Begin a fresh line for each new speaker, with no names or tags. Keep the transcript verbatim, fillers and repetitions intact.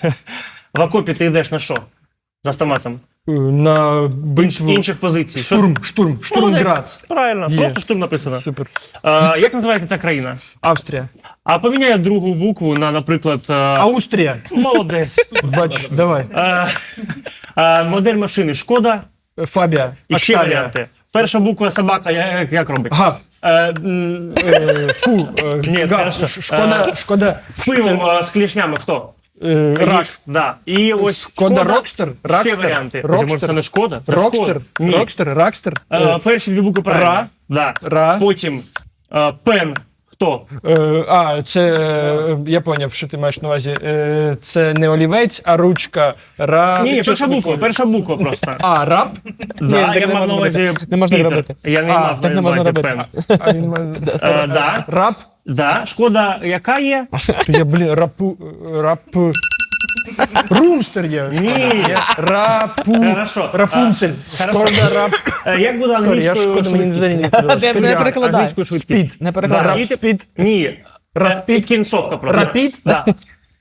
В окопі ти йдеш на що? З автоматом?
На битву.
Інших позицій.
Штурм, штурм, штурмград.
Молодець. Правильно,
Є.
просто штурм написано.
Супер.
А, як називається ця країна?
Австрія.
А поміняй другу букву на, наприклад... а,
Австрія.
Молодець.
Бач, давай.
А, а, модель машини Шкода.
Фабія.
І ще
Октавія.
варіанти. Перша буква собака, як, як робить?
Гав.
Е, м,
Е, Фу. е,
Ні,
гав.
хорошо.
Ш- Шкода.
Е,
Шкода.
пивом а, з клешнями хто?
Е, Рак.
Їж, Да. І ось
Шкода Рокстер.
Ще
Ракстер.
варіанти.
Рокстер.
Може, це не Шкода? Це
Рокстер.
Шкода. Ні.
Рокстер. Ракстер.
Е,
Е,
перші дві букви правильно.
Ра.
Да.
Ра.
Потім е, пен. Хто?
Е, А, це е, я поняв, що ти маєш на увазі. Е, Це не олівець, а ручка. Ра.
Ні, перша буква, перша буква просто.
А, раб?
Да,
так
я
не
мав
можна
на увазі
робити. Не можна
Пітер.
робити.
Я не
А,
мав
так
на
не можна
увазі
робити.
пен.
А він має-
Е, да,
Раб?
да. Шкода яка є?
Я, блін, рапу... Рап... Румстер є.
Ні.
Є. Рапу...
Хорошо.
Рапунцель.
Хорошо.
Шкода рап...
Е, Як буде
Сорі, я
англійською
шкода, мені
швидкість?
взагалі не подобається.
Не- не
Спідряд.
перекладай.
Англійською швидкість.
Спід.
Не перекладай.
Да.
Рап, спід.
Ні.
Распід.
Кінцовка просто.
Рапід?
Да.